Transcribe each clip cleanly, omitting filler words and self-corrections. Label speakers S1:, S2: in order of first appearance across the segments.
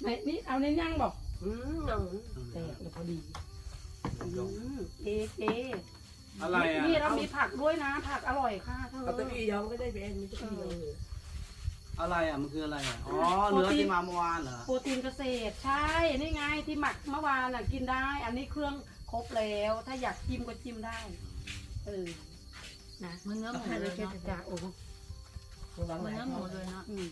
S1: นี่เอาในย่างบอก
S2: หนัง
S1: แต่พอดีเอ
S3: อะไรอ่ะ
S1: นี่เรามีผักด้วยนะผักอร่อยค่ะเธอ
S2: เอาตะกี้ยองก็ได้เป็นมีตะกี้ยองเลย
S3: อะไรอ่ะมันคืออะไรอ่ะอ๋อเนื้อที่มาเมื่อวานเหรอ
S1: โปรตีนเกษตรใช่นี่ไงที่หมักเมื่อวานน่ะกินได้ อันนี้เครื่องครบแล้วถ้าอยากจิ้มก็จิ้มได้นะ
S4: มันเนื้อหมู
S1: ให้
S4: เล
S1: เลย
S4: ย
S1: แค่
S4: เนาะ
S1: จะโอ้
S4: มันเนื้อหมูเลยเนาะ
S1: อืม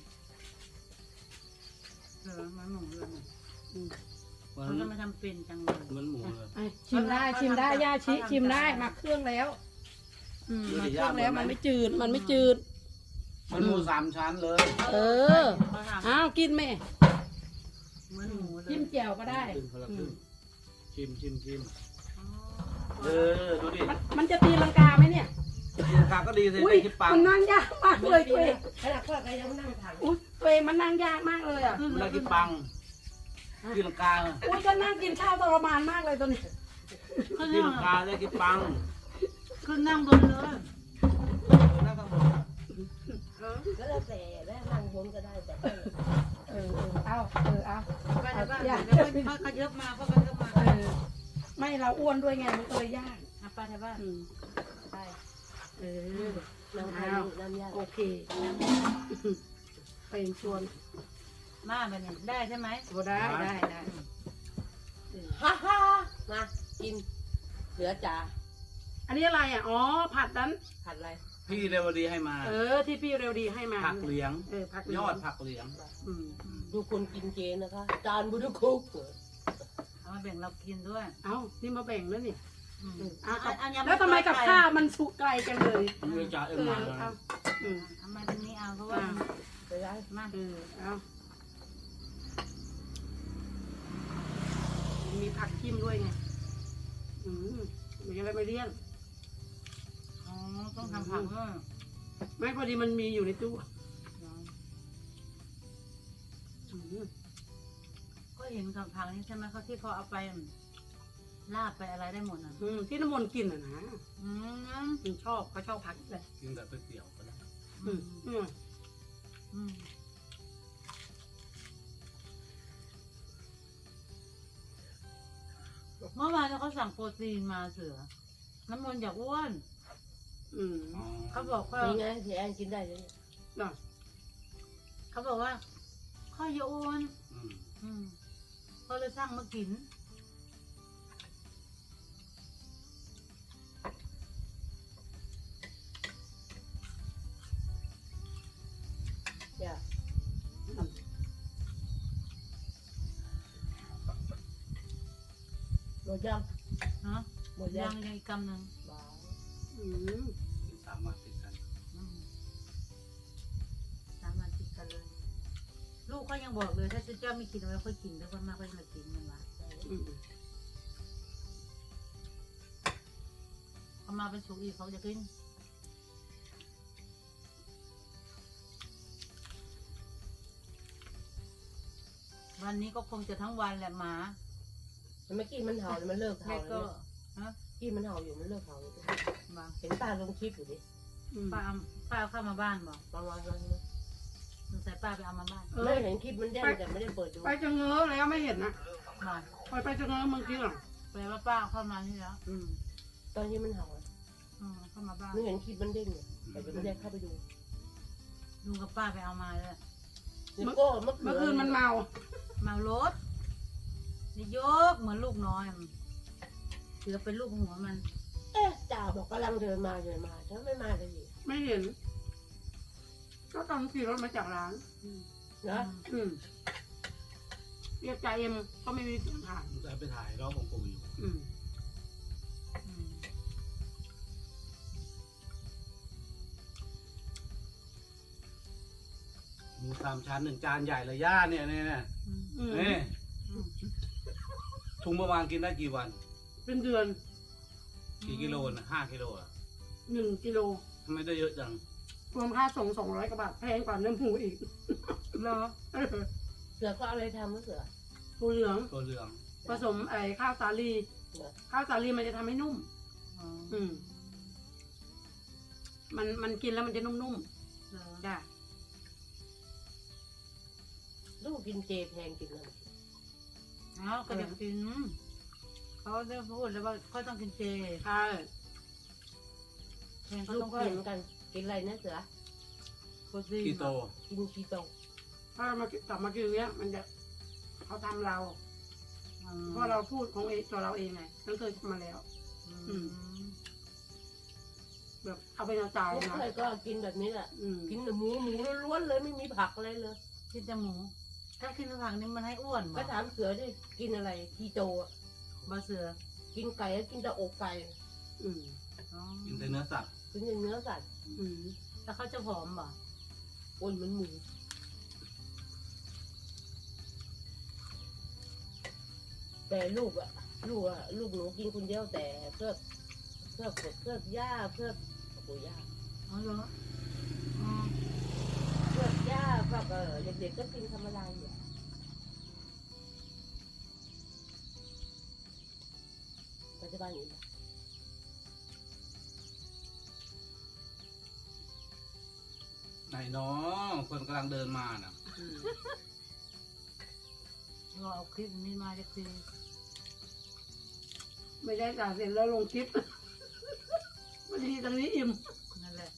S4: มันหมูเลยเนี่ย
S3: เหมือน
S4: เขาจะมาทำเป็นจังเลย
S3: เหมือนหมูเลย
S1: ชิมได้ย่าชิชิมได้หมักเครื่องแล้วหมักเครื่องแล้วมันไม่จืดมันไม่จืด
S3: มันหมูสามชั้นเลย
S1: อ้าวกินแม่
S4: เหมือนหมูเลย
S1: จิ้มแจ่วก็ได้
S3: ครึ่งคนละครึ่งชิม
S4: อ๋อ
S3: ดูดิ
S1: มันจะตีลังกาไหมเนี่ย
S3: ตีลังกาก็ดีสิ
S1: อุ้ย
S3: ได้คิดปัง
S1: มันนั่งยากมากเลยตัวเอง
S2: ขนาดพ่อก็ยังนั่งถ่าย
S1: อุ้ยตัวเองมันนั่งยากมากเลยอ่ะ
S3: มันได้คิดปังตีลังกา
S1: อุ้ยจะนั่งกินข้าวทรมานมากเลยตัวนี้
S3: ตีลังกาได้คิดปัง
S4: ขึ้นนั่งบนเลย
S3: นั่งข้างบน
S2: ก็แล้วแต่แล้วนั่งบนก็ได้แต่
S1: เอา
S4: ไปในบ้านเดี๋ยวค่อยขยับมาค่อยขยับมา
S1: ไม่เราอ้วนด้วยไงมันก็เลยยาก
S4: ไปในบ้านไป
S2: นั่งถ่ายน้ำยา
S1: โอเคไปชวน
S4: มาไปเนี่ยได้ใช่ไหม
S1: ก็ได้
S2: ฮ่าฮ่ามากินเหลือจ่า
S1: อันนี้อะไรอ่ะอ๋อผัดนั้น
S2: ผัดอะไร
S3: พี่เรวดีให้มา
S1: ที่พี่เร็วดีให้มา
S3: ผักเหลียง
S1: ผัก
S3: ยอดผักเหลียง
S2: ดูคนกินเจนะคะจานบุญคุก
S4: เอามาแบ่งเรากินด้วย
S1: เอ้านี่มาแบ่งแล้วนี่
S4: อันยัง
S1: แล้วทำไมกับข้าวมันสุกไกลจังเลย
S3: เรื่องจ่าเอ็มมาเลย
S4: เอามาตรงนี้เอาเพราะว่า
S2: ไปได้
S4: มา
S1: เอามีผักจิ้มด้วยไงมันจะได้ไม่เลี่ยน
S4: อ๋อต้องทำผักด้วย
S1: ไม่พอดีมันมีอยู่ในตู้
S4: ก็เห็นกับผักนี่ใช่ไหมเขาที่เขาเอาไปลาบไปอะไรได้หมดอ่ะ
S1: ที่น้ำมนต์กินอ่ะนะ
S4: อืม
S1: มันชอบเขาชอบผักเลย
S3: กินแต่ก๋วยเตี๋ยวก็ได้
S4: เมื่อวานเขาสั่งโปรตีนมาเสือน้ำมันอยากอ้วนเขาบอกว่า
S2: นี่ไงที่แอนกินได้เลย
S4: เขาบอกว่าข้าวเยอะอ้วนก็เลยสั่งมากิน
S2: จ้ะหมดยัง
S4: ฮะ
S2: หมดยั
S4: ยัง งอีกกำหนึ่ง
S3: สามารถติดกัน
S4: สามารถติดกันเลย ลูกเขายังบอกเลยถ้าเจ้าไม่กินเอาไว้ค่อยกินแล้วคนมากก็จะมากินมันวะเอามาเป็นสุกอีกเขาจะกิน วันนี้ก็คงจะทั้งวันแหละหมา
S2: มันไม่กินมันเห่าเลยมันเลิก
S4: แม่
S2: เห่า
S4: ก็
S2: แล้ว
S4: ฮะ
S2: กินมันเห่าอยู่มันเลิกเห่าอยู่
S4: มา
S2: เห็นตาลงคลิปอยู่ดิ
S4: ป้าเอาเข้ามาบ้านบอก
S2: ประมาณนั้น
S4: สงสัยป้าไปเอามาบ้าน
S2: ไม่เห็นคลิปมันแจ้งแต่ไม่ได้เปิดดู
S1: ไปจะเง้อแล้วไม่เห็นนะ
S4: มา
S1: ไปจะเง้อเมื่อกี้หรอ
S4: แปลว่าป้าเอาเข้ามานี่แล้ว
S2: ตอนที่มันเห่า
S4: เข้ามาบ้าน
S2: ไม่เห็นคลิปมันเด้งอยู่แต่ไม่ได้เข้าไปดู
S4: ลุงกับป้าไปเอามาเลย
S2: แล้วก็เมื่อ
S1: เมื่อคืนมันเมา
S4: เมารถนี่ยกเหมือนลูกน้อยเสือเป็นลูกหัวมัน
S2: จ่าบอกกำลังเดินมาถ้าไม่มาเลย
S1: ไม่เห็น ก็ตอนขี่รถมาจากร้าน
S2: นะ
S1: เรียกจ่าเอ็มก็ไม่มีเสียงผ่าน
S3: จะไปถ่ายรอบของปู่อยู่หมูสามชั้น1 จานใหญ่เลยย่าเนี่ยนี่ถุงประมาณกินได้กี่วัน
S1: เป็นเดือน
S3: กี่กิโลนะ5 กิโลอ่ะ
S1: 1 กิโล
S3: ทำไมได้เยอะจัง
S1: รวมค่าส่ง200 กว่าบาทแพงกว่าเนื้อหมูอีก
S4: เหรอ
S2: เสือก็อะไรทำเสือ
S1: ตัวเหลือง
S3: ตัวเหลือง
S1: ผสมข้าวสาลีข้าวสาลีมันจะทำให้นุ่มมันกินแล้วมันจะนุ่มๆจ้ะ
S2: ลูกกินเจแพงกินเลย
S4: เนาะก็อยากกินเขาได้พูดแล้วว่าเขาต้องกินเจ
S1: ใช่
S4: แทนเขา
S2: ลู
S4: ต้
S2: ก
S4: อง
S2: ก็เหมือนกันกินอะไรนะเสือ
S4: โปรตีน
S3: คีโต
S2: กินคีโต
S1: ถ้ามากลับมากินเนี้ยมันจะเขาทำเรา
S4: อืม
S1: เพราะเราพูดของเองตัวเราเองไงฉันเคยทำมาแล้ว
S4: อืม
S1: แบบเอาไปเอาตาย
S2: พวก
S1: นะ
S2: เคยก็กินแบบนี้แหละ
S1: อืม
S2: กินแต่หมูล้วนๆเลยไม่มีผักอะไรเลย
S4: กินแต่หมู ถ้ากินผักนี่มันให้อ้วน
S2: ก็
S4: บ่
S2: ถามเสือดิกินอะไรคีโตอะ
S4: บ่เสือ
S2: กินไก่ก็กินแต่อกไก่
S1: อืม
S4: อ๋อ
S3: กินแต่เนื้อสัตว์
S2: กินแต่เนื้อสัตว์
S1: อืม
S4: แล้วเขาจะผอมบ่
S2: อ้วนเหมือนหมูแต่ลูกหนูกินคนเดียวแต่เพื่อย่าเพื่อโอ้ย่า
S4: อ๋อเหรออ๋อ
S2: เพื่อย่าแบบเด็กๆก็กินธรรมดาอยู่ปัจจุบันนี้นะ
S3: ไหนน้องคนกำลังเดินมาน่ะ
S4: รอเอาคลิปนี้มาจะคือ
S1: ไม่ได้จ่ายเสร็จแล้วลงคลิป วันนี้ตรงนี้อิ่ม
S4: นั่นแหละ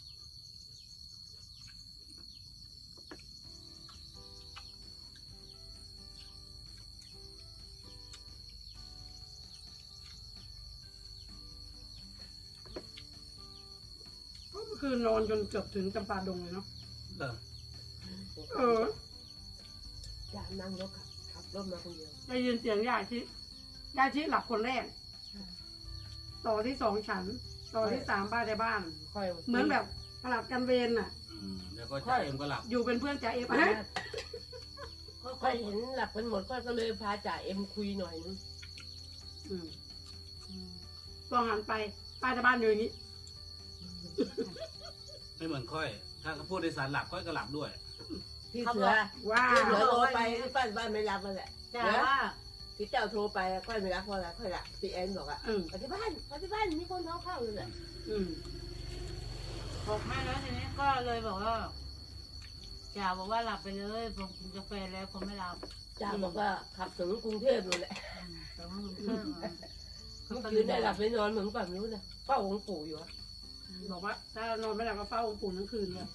S1: ก็คือนอนจนเกือบถึงจำปาดงเลยเนาะ
S3: เออ
S1: เออ
S2: ย่านั่งรถขับรถมาคนเดียว
S1: ได้ยินเสียงยายที่หลับคนแรก ต่อที่สองฉัน ต่อที่สามป้าในบ้าน
S2: ค่อย
S1: เหมือนแบบผลัดกันเวรน่ะ
S3: แล้วก็จ่าเอ็มก็หลับ
S1: อยู่เป็นเพื่อนจ่าเอฟฮะ
S2: ค่อยเห็นหลับกันหมดก็เลยพาจ่าเอ็มคุยหน่อยนึง
S1: อืมพอหันไปป้าในบ้านอยู่อย่างนี้
S3: ไม่เหมือนค่อย ถ้าเขาพูดในสารหลับค่อยก็หลับด้วย
S2: พี่เสือ
S1: ว้า
S2: พี่เสื
S1: ว
S2: อโทรไปป้าบ้านไม่รับมาแหละ
S4: แต่ว่า
S2: พี่เจ้าโทรไปค่อยไม่รับเพราะอะไรค่อยละพี่แอนบอกอ่ะ
S1: อืม
S2: ไปที่บ้านมีคนเข้าเลยแหละ
S1: อืม
S4: บอกแม่แล้วทีนี้ก็เลยบอกว่าจ่าบอกว่าหลับไปเลยผมกินกาแฟแล้วผมไม่หลับ
S2: จ่าบอกว่าขับถึงกรุงเทพเลยแหละ
S4: แต่ว่ามันเพิ่ม
S2: เมื่อคืนได้หลับไม่นอนเหมือนแบบนู้นนะเฝ้าองค์ปู่อยู่อะ
S1: บอกว่า ถ้านอนไม่หลับก็เฝ้าองค์ปู่ทั้งคืนเลย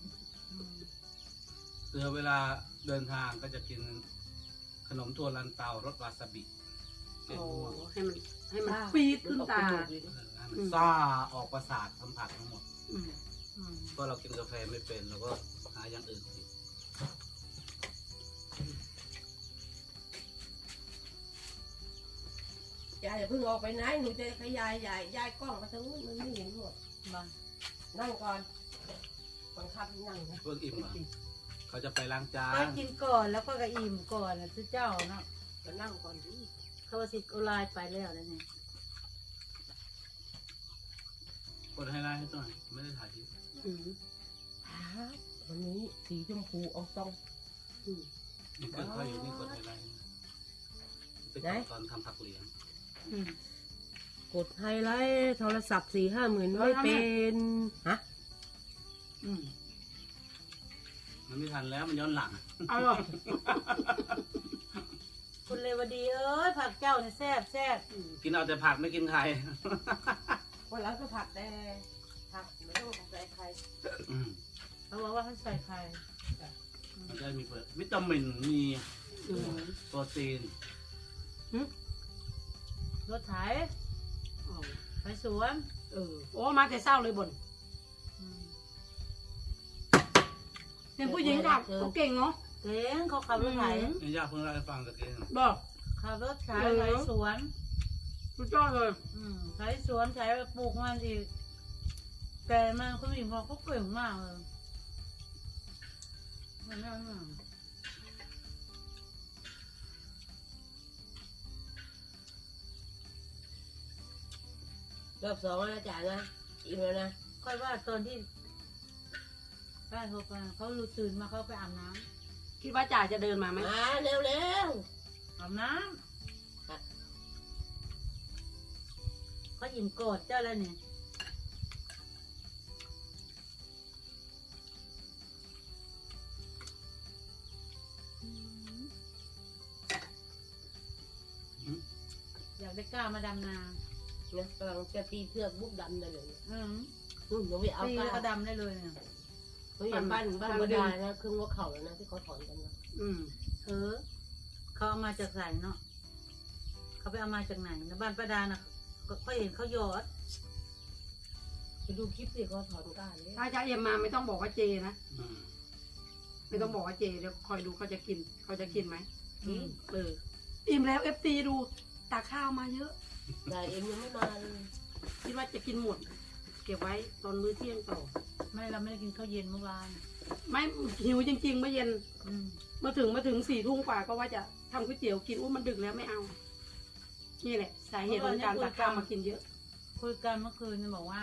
S3: เสือเวลาเดินทางก็จะกินขนมถั่วลันเตารสวาซาบิเป็น
S1: โอ้
S3: ม่วง
S1: ให้มันปี๊ดขึ้นตา
S3: ให้มันซ่าออกประสาทสัมผัสทั้งหมด
S1: อืม
S3: เพราะเรากินกาแฟไม่เป็นเราก็หาอย่างอื่นกิน
S2: ยายอย่าเพิ่งออกไปไหนหนูจะขยายกล้องมาทางนู้นมันไม่เห็นหมด
S4: มา
S2: นั่งก่อนบังคับให้นั่งนะ
S3: เพิ่งอิ่มเหรอเขาจะไปล้างจา
S4: ก็
S3: น
S4: กินก่อนแล้วก็กระอิ่มก่อนนะทุกเจ้าเนาะ
S2: ก็นั่งก่อนดิ
S4: เขาว่าสิโอไลน์ไปแล้วนะเนี่ย
S3: คนให้ไล่ให้หน่อยไม่ได้ถ่ายคลิป
S1: อืม
S2: วันนี้สีชมพูอองตอง
S1: อืม
S3: นี่เกิดค่อยอยู่นี่กดให้ไล่เป็น
S2: ไหน
S3: ตอนทำผักเหลียง
S1: อืม
S2: กดไฮไลท์โทรศัพท์4-5 หมื่นไม่เป็นฮะ
S1: อืม
S3: มันไม่ทันแล้วมันย้อนหลัง
S1: เอาหรอ
S4: คุณเลวดีเอ้ยผักเจ้าเนี่ยแซ่บแซ่บ
S3: กินเอาแต่ผักไม่กินไข่
S2: วันหลังก็ผักแต่ผักไม่ต้องใส่ใคร
S3: อืม
S4: เขาบอกว่าให้ใส่ไข่
S3: มันจะมีวิตามินมี
S1: อืม
S3: โปรตีน
S4: รถไถ
S1: อ๋อ
S4: ไปสวน
S1: เออ โอ้มาแต่เศร้าเลยบ่น
S4: อืม
S1: เป็นผู้หญิงค่ะเขาเก่งเนาะ
S4: เก่งเขาขับรถไถ
S3: นี่ย่าเพิ่งเล่าให้ฟังตะกี้
S1: บอก
S4: ขับรถไถไถสวน
S1: สุดยอดเลย
S4: ไถสวนไถปลูกมันอีกแต่มันคุณหญิงบอกเขาเก่งมากเลยมันไม่มาก
S2: รอบ2แล้วนะจ่านะอิ่มแล้วนะ
S4: ค่อยว่าตอนที่ป้าโทรไปเขารู้ตื่นมาเขาไปอาบน้
S1: คิดว่าจ่าจะเดินมาไหม
S2: มาเร็ว
S4: ำอาบน้ำเขาอิ่มโกรธเจ้าแล้วเนี่ยอยากได้กล้ามาดำนา
S2: เนี่ยกำลังจะตีเชือกบุกดำได้เลยเนี่ย
S4: อืม
S2: หนูไปเอา
S4: ตี
S2: กล้า
S4: แล้วก็ดำได้เลยเนี่ย
S2: เฮ้ยบ้านบดานะครึ่งหัวเข่าแล้วนะที่เขาถอนกันนะ
S1: อืม
S4: เขาเอามาจากไหนเนาะเขาไปเอามาจากไหนนะบ้านป้าดาน่ะก็เห็นเขาหยอด
S2: ไปดูคลิปสิเขาถอนกล้าเลย
S1: ถ้าจะเอ็มมาไม่ต้องบอกว่าเจนะ
S3: อืม
S1: ไม่ต้องบอกว่าเจเดี๋ยวคอยดูเขาจะกินไหม
S2: อืม
S1: อิ่มแล้วเอฟซีดูตักข้าวมาเยอะ
S2: แต่เอ็มยังไม่มาเลย
S1: คิดว่าจะกินหมด เก็บไว้ตอนมื้อเที่ยงต่อ
S4: ไม่เราไม่ได้กินข้าวเย็นเมื่อวาน
S1: ไม่หิวจริงๆเมื่อเย็น
S4: อืม
S1: มาถึง4 ทุ่มกว่าก็ว่าจะทำก๋วยเตี๋ยวกินมันดึกแล้วไม่เอา นี่แหละสาเหตุของการตักข้าวมากินเยอะ
S4: คุยกันเมื่อคืนเนี่ยบอกว่า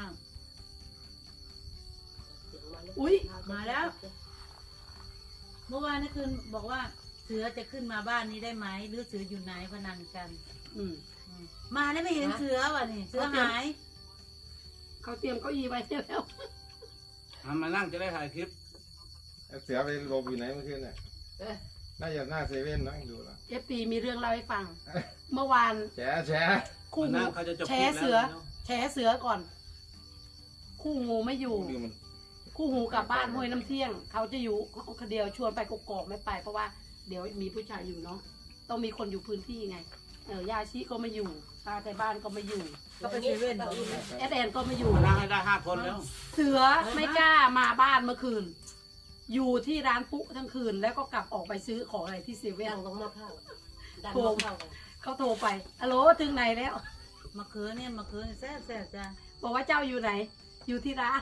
S2: เสียงมาแล้ว
S1: อุ๊ย
S4: มาแล้ว เมื่อวานนี่คืนบอกว่าเสือจะขึ้นมาบ้านนี้ได้ไหมหรือเสืออยู่ไหนพนันกัน
S1: อืม
S4: อืมมาแล้วไม่เห็นเสือว่ะนี่เสือหาย
S1: เขาเตรียมเก้าอี้ไว้แล้ว
S3: มานั่งจะได้ถ่ายคลิป
S5: เสือไปหลบอยู่ไหนเมื่อคืนเนี่ย
S2: เอ้ย
S5: น่าจะหน้าเซเว่นนั่งดูแล้ว
S1: เอฟซีมีเรื่องเล่าให้ฟัง เมื่อวาน
S5: แฉแฉ
S1: คู่
S3: มา
S1: หู
S3: นั่งเขาจะจบ
S1: แฉ
S3: คลิป
S1: เสื
S3: แล้
S1: อ
S3: ว
S1: แฉเสือก่อน คู่หูไม่อยู่
S5: ดูมัน
S1: คู่หูกลับบ้านห้วยน้ำเที่ยง เขาจะอยู่คนเดียวชวนไปกกอกไม่ไป เพราะว่าเดี๋ยวมีผู้ชายอยู่เนาะต้องมีคนอยู่พื้นที่ไงยาชิก็ไม่อยู่ตาไทยบ้านก็ไม่อยู่
S4: ก็ไปเซเว่นเหรอ
S1: แอดแอนก็ไม่อยู่
S3: มานั่งให้ได้5 คนแล้ว
S1: เสือไม่กล้ามาบ้านเมื่อคืน อยู่ที่ร้านปุ๊ทั้งคืน แล้วก็กลับออกไปซื้อของอะไรที่เซเว่
S2: ดั
S1: น
S2: งตรงหม้อข้าวดังหม้อข้าวกัน
S1: เขาโทรไปฮัลโหลถึงไหนแล้ว
S4: มะเขือเนี่ยมะเขือแซ่บแซ่บจ้ะ
S1: บอกว่าเจ้าอยู่ไหน อยู่ที่ร้าน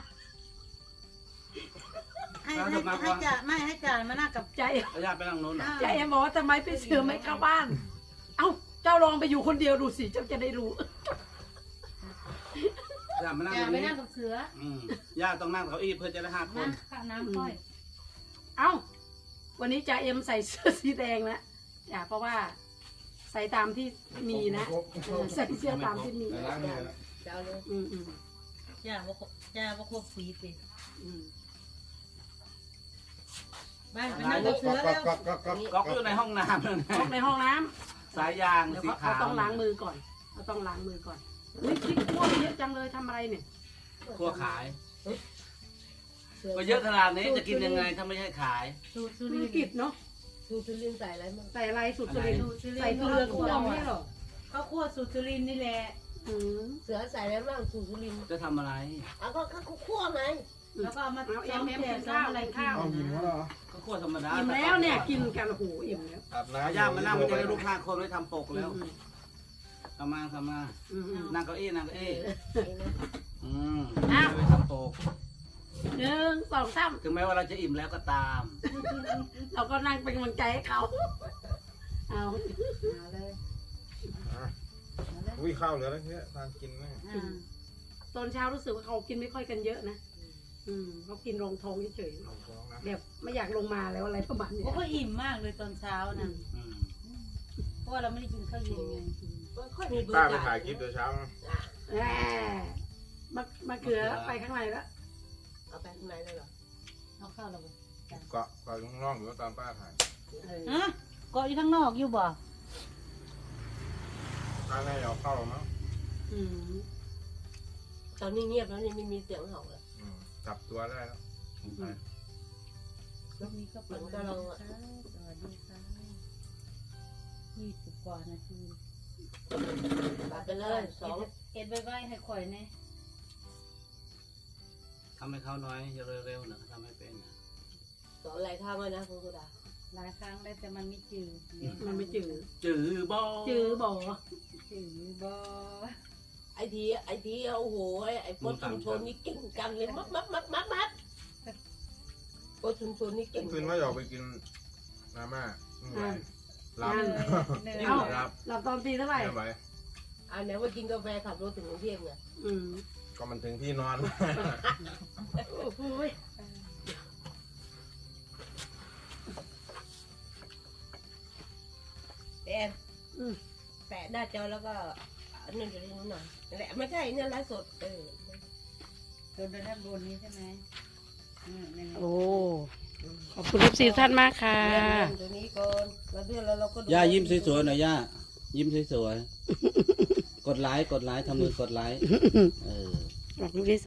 S4: ให้จ่าไม่ให้จ่ามานั่งกับ
S1: ใจ
S3: ระยะไปนั่งโน้นน่ะ
S1: ใจเอ็มบอกว่าทำไมพี่เสือไม่เข้าบ้าน เอ้าเจ้าลองไปอยู่คนเดียวดูสิเจ้าจะได้รู้
S3: ย่ามานั่ง
S4: จ่า
S3: ตรง
S4: ไป
S3: นี้
S4: นั่งกับเสือ
S3: ย่าต้องนั่งเก้าอี้เพื่อจะได้5 คน
S4: นะข้าวน้ำค่อย
S1: เอ้าวันนี้จ่าเอ็มใส่เสื้อสีแดงนะจ่าเพราะว่าใส่ตามที่มีนะใส่เสื้อตามที่มี
S5: แต่ล้างมือแล้ว
S2: จะเอาเลย
S1: อืมอืม
S4: จ่าว่าครบสีสิ
S1: อืม
S4: ไปนั่งกับเสือแล้ว
S3: ก๊อกอยู่ในห้องน้ำนั่น
S1: เข้าในห้องน้ำ
S3: สายยาง
S1: เดี๋ยว
S3: สี
S1: เขา
S3: ขาว
S1: ต้องล้างมือก่อนเขาต้องล้างมือก่อนอุ้ยพริกคั่วเยอะจังเลยทำอะไรเนี่ย
S3: คั่วขาย
S2: สื
S3: ก็เยอะขนาดนี้จะกินยังไงถ้าไม่ให้ขาย
S4: สูตรสุ
S1: ธุ
S4: ริ
S1: ร
S4: นท
S1: กิจ
S4: ร์
S1: เนาะ
S2: ดูสุรินทร์ใส่อะไรมั่ง
S1: ใส่อะไรสุดสุรินทร์
S4: อะไร
S1: ใส่เกลือคั่วไม่ใช่เหรอ
S4: ข้าวคั่วสูตรสุรินทร์นี่แหละ
S1: อืม
S2: เสือใส่อะไรบ้างสูสุรินทร์
S3: จะทำอะไร
S2: เอาก็คั่วไง
S4: แล้วก็เอามา
S1: เอาเอ็
S4: ซ้อ
S1: ม
S4: ม
S1: เอ็ม
S4: แจ
S1: กิ
S4: ก
S1: น
S4: ซ้อ
S1: ข้าม ว
S4: อะไร
S1: กิน
S4: กิน
S1: ข้าว
S5: เอาหิวแล้วเหรอ
S3: ก็คั่วธรรมดา
S1: อิ่มแล้วเนี่ยกินกันโอ้โหอิ่มแล้ว
S5: อาบน้ำ
S3: ย่ามานั่งมันจะได้ลูก5 คนไว้ทำปกแล้ว
S1: อืม
S3: ทำมา
S1: อืมอืม
S3: นั่งเก้าอี้นั่งเก้าอี้
S2: นี่นะ
S3: ไว้ทำปก
S1: 1 2 3
S3: ถึงแม้ว่าเราจะอิ่มแล้วก็ตาม
S1: เราก็นั่งเป็นกำลังใจให้เขาเอา
S4: เอาเลย
S5: อุ้ยข้าวเหลือแล้วเนี่ยทานกินไหม
S4: อ่า
S1: ตอนเช้ารู้สึกว่าเขากินไม่ค่อยกันเยอะนะเขากินรองท้องเฉย
S5: ลองท้องนะ
S1: ๆแบบไม่อยากลงมาแล้วอะไรประมาณเนี้ย
S4: โอ้ก็อิ่มมากเลยตอนเช้านะ
S3: อืม
S4: เพราะว่าเราไม่ได้กินข้าวเย็นไง
S2: มันค่อยมีเบอ
S5: ป้า
S2: ร์
S5: ไป
S2: จ่า
S5: ถ่ายคลิปเดี๋ยวเช้านะ
S1: แหมมาเกลือไปข้างในแล้ว
S2: เอาไปข้างในเลยเหรอ
S4: เอาข้าวเราไป
S5: เกาะข้างนอกหรือว่าตอนป้าถ่าย
S4: ฮะเกาะอยู่ข้างนอกอยู่บ่
S5: ป้าแม่เอาเข้าหรอมั้ง
S1: อืม
S2: ตอนนี้เงียบแล้วนี่ไม่มีเสียงเห่าเลย
S5: จับตัวได้แล้ว
S3: ไป
S4: แล้วนี้ก็เป็นก็เราสวัสดีค่ะ20 กว่านาที
S2: ตัดไปเลยสอง
S4: เอ็ดใบให้ข่อยแน่
S3: ทำให้เขาน้อยเร็วๆนะทำให้เป็นนะ
S2: สองอะไรข้าวไว้นะคุณสุดา
S4: หลายครั้งได้แต่มันไม่จืด
S1: มันไม่จืด
S3: จื้อบ่
S1: จืดบ่
S4: จืดบ่
S2: ไอทีโอ้โหไอโพสชุมชนนี่เก่งจังเลยมัดโพสชุมชนนี่เก่ง
S5: คืนว่าอยากไปกินมาม่าหลับ
S4: เหนื่
S1: เอ้า
S4: อย
S5: หลับ
S1: หลับตอนตีเท่าไหร่
S5: ไม่ไหว
S2: อันไหนว่ากินกาแฟขับรถถึงกรุงเทพไง
S1: อืม
S5: ก็มันถึงที่นอน
S1: โอ้โห
S2: แอนแปะหน้าจอแล้วก็นั่นจะได้นิดหน่อยแหละไม่ใช่เนี่ยไลฟ์สด
S4: โดนด้านบนนี้ใช่ไหมนั่น
S1: โอ้ขอบคุณทุกท่านมากค่ะ
S2: ตัวนี้ก่อนแล้วเดี๋ยวเราก็
S3: ย่ายิ้มสวยๆหน่อยย่ายิ้มสวยๆ กดไลค์ทำมือกดไลค์
S1: บอกลูกดิ